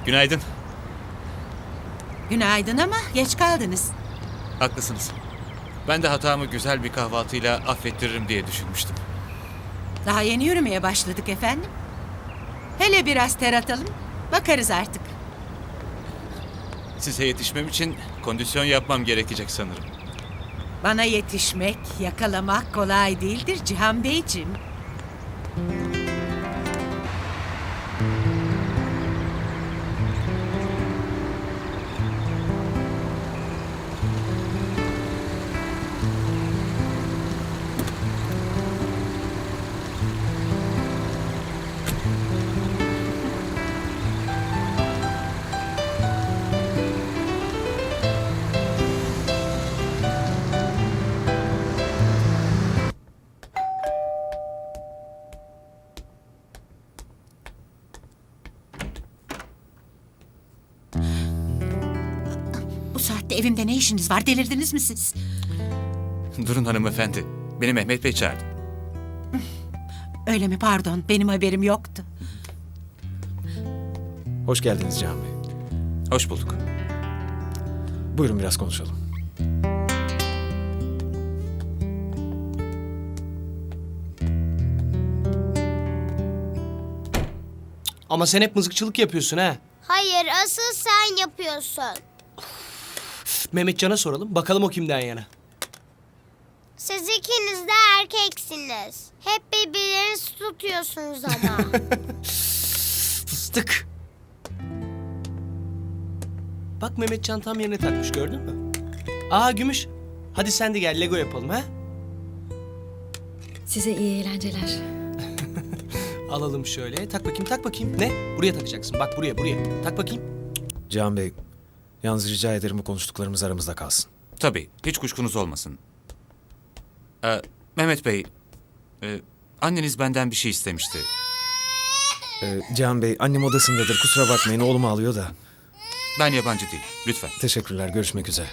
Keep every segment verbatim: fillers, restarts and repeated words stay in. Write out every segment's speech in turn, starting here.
Günaydın. Günaydın ama geç kaldınız. Haklısınız. Ben de hatamı güzel bir kahvaltıyla affettiririm diye düşünmüştüm. Daha yeni yürümeye başladık efendim. Hele biraz ter atalım, bakarız artık. Size yetişmem için kondisyon yapmam gerekecek sanırım. Bana yetişmek, yakalamak kolay değildir Cihan Beyciğim. Bu saatte evimde ne işiniz var? Delirdiniz mi siz? Durun hanımefendi. Beni Mehmet Bey çağırdı. Öyle mi? Pardon, benim haberim yoktu. Hoş geldiniz Cihan Bey. Hoş bulduk. Buyurun biraz konuşalım. Ama sen hep mızıkçılık yapıyorsun ha. Hayır, asıl sen yapıyorsun. Mehmetcan'a soralım. Bakalım o kimden yana. Siz ikiniz de erkeksiniz. Hep birbirlerinizi tutuyorsunuz ama. Fıstık. Bak Mehmetcan tam yerine takmış, gördün mü? Aa Gümüş. Hadi sen de gel Lego yapalım ha. Size iyi eğlenceler. Alalım şöyle. Tak bakayım, tak bakayım. Ne? Buraya takacaksın. Bak buraya, buraya. Tak bakayım. Cihan Bey, yalnız rica ederim bu konuştuklarımız aramızda kalsın. Tabii, hiç kuşkunuz olmasın. Ee, Mehmet Bey, e, anneniz benden bir şey istemişti. Ee, Cihan Bey, annem odasındadır. Kusura bakmayın, oğlumu alıyor da. Ben yabancı değilim, lütfen. Teşekkürler, görüşmek üzere.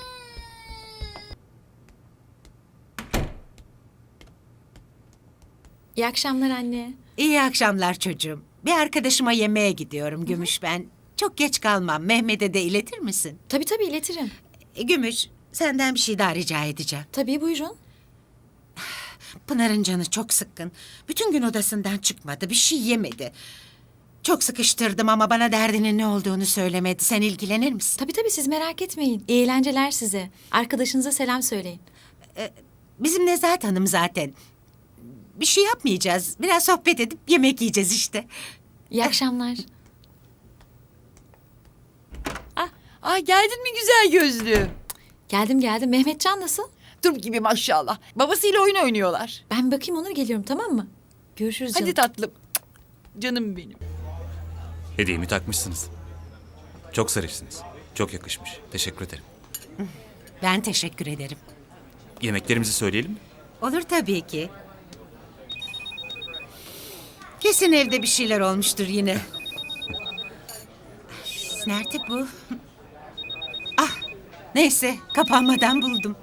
İyi akşamlar anne. İyi akşamlar çocuğum. Bir arkadaşıma yemeğe gidiyorum Gümüş ben. Çok geç kalmam. Mehmet'e de iletir misin? Tabii tabii iletirim. E, Gümüş, senden bir şey daha rica edeceğim. Tabii buyurun. Pınar'ın canı çok sıkkın. Bütün gün odasından çıkmadı, bir şey yemedi. Çok sıkıştırdım ama bana derdinin ne olduğunu söylemedi. Sen ilgilenir misin? Tabii tabii siz merak etmeyin. İyi eğlenceler size. Arkadaşınıza selam söyleyin. Bizim Nezahat Hanım zaten. Bir şey yapmayacağız. Biraz sohbet edip yemek yiyeceğiz işte. İyi akşamlar. Ay geldin mi güzel gözlü? Geldim geldim. Mehmetcan nasıl? Dur gibi maşallah. Babasıyla oyun oynuyorlar. Ben bir bakayım Onur, geliyorum, tamam mı? Görüşürüz canım. Hadi tatlım. Canım benim. Hediyemi takmışsınız. Çok zarifsiniz. Çok yakışmış. Teşekkür ederim. Ben teşekkür ederim. Yemeklerimizi söyleyelim mi? Olur tabii ki. Kesin evde bir şeyler olmuştur yine. Nerede bu? Ah, neyse kapanmadan buldum.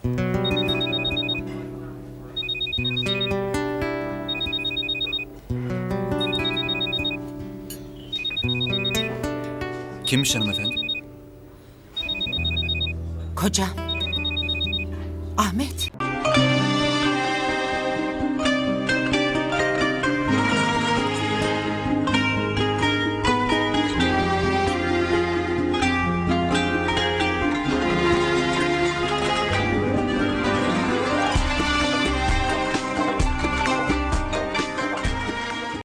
Kimmiş hanımefendi? Kocam. Ahmet.